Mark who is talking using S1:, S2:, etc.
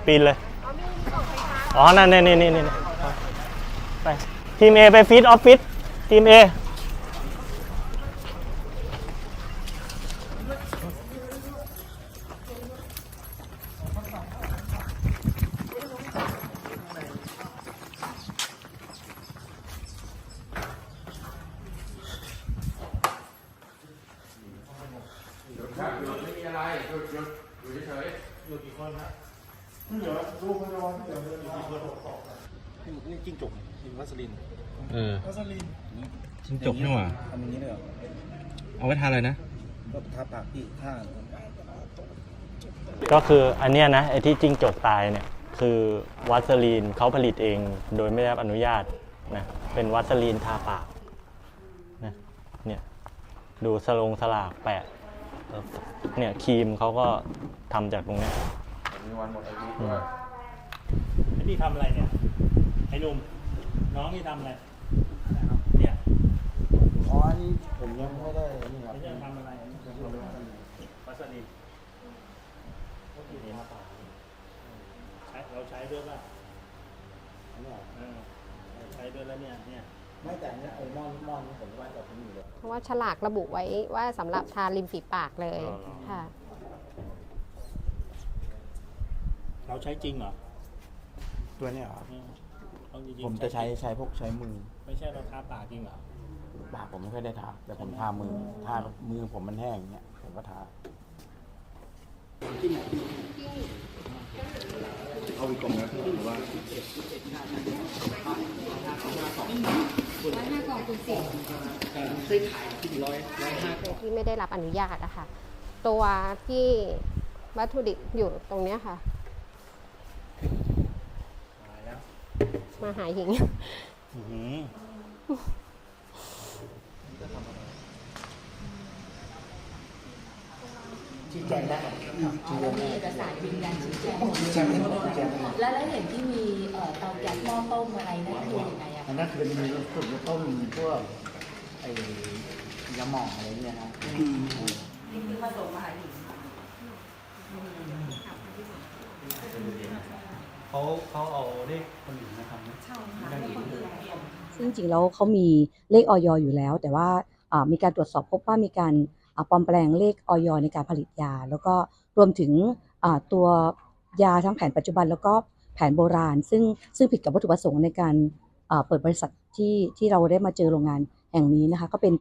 S1: ปีนเลยอ๋อนั่นนี่ไปทีม A ไปฟีดออฟฟิศทีม A
S2: ไม่มีอะไรหยุดอยู่เฉยๆอยู่กี่คนครับเหลือลูกไม่ร้อนเหลือกี่คนนี่จิ้งจกนี่วัสลินวัสลินจิ้งจกนี่หว่าทำอย่างนี้เลยเหรอเอาไว้ทานอะไรนะก็ทาปากพี่ทา
S1: ก็คืออันเนี้ยนะไอ้ที่จิ้งจกตายเนี่ยคือวัสลีนเขาผลิตเองโดยไม่ได้รับอนุญาตนะเป็นวัสลีนทาปากนะเนี่ยดูสลากแปะเนี่ยครีมเขาก็ทำจากตรงนี้
S2: มีวันหมดอายุด้วย
S3: ไอ้นี่ทำอะไรเนี่ยไอ้หนุ่มน้องนี่ทำอะไรเนี่ย
S2: อ๋อนี่ผมยังไม่ได้นี่ครับ
S3: จะทำอะไรวัสลีนเราใช้ด้วยป่ะใช้ด้วยแล้วเนี่ย
S2: ไม่แต่เนี่ยไอ้ม่อนนี่ผมว่าจะทิ้งอยู่เลย
S4: เพราะว่าฉลากระบุไว้ว่าสำหรับทาริมฝีปากเลยค่ะ
S3: เราใช้จริงเหรอ
S2: ตัวเนี้ยครับ
S3: ผ
S2: มจะใช้พวกใช้มือ
S3: ไม่ใช่เราทาปากจริงเหรอ
S2: ปากผมไม่ค่อยได้ทาแต่ผมทามือผมมันแห้งเนี่ยผมก็ทาเอาอีกกล่องนะหรือว่า
S4: 105 กล่องคุณสิที่ไม่ได้รับอนุญาตอะค่ะตัวที่วัตถุดิบอยู่ตรงเนี้ยค่ะมาหาหญิง
S5: ชี้แจงได้เรามีเอกสารยืนยันชี้แจงแล้วเห็นที่มีเตาแก๊สหม้อต้มอะไรนั่นคือยังไงอะ
S2: อันนั้นคือมีส่วนต้มพวกไอ้ยาหม่องอะไรเนี่ยนะ
S5: นี่คือผสมมาหาหญิง
S3: เขาเอาเลขคนอื่นมาทำนะ
S5: ใช่ค่ะ
S6: ซึ่งจริงๆแล้วเขามีเลขอย.อยู่แล้วแต่ว่ามีการตรวจสอบพบว่ามีการปลอมแปลงเลขอย.ในการผลิตยาแล้วก็รวมถึงตัวยาทั้งแผนปัจจุบันแล้วก็แผนโบราณซึ่งผิดกับวัตถุประสงค์ในการเปิดบริษัทที่เราได้มาเจอโรงงานแห่งนี้นะคะก็เป็น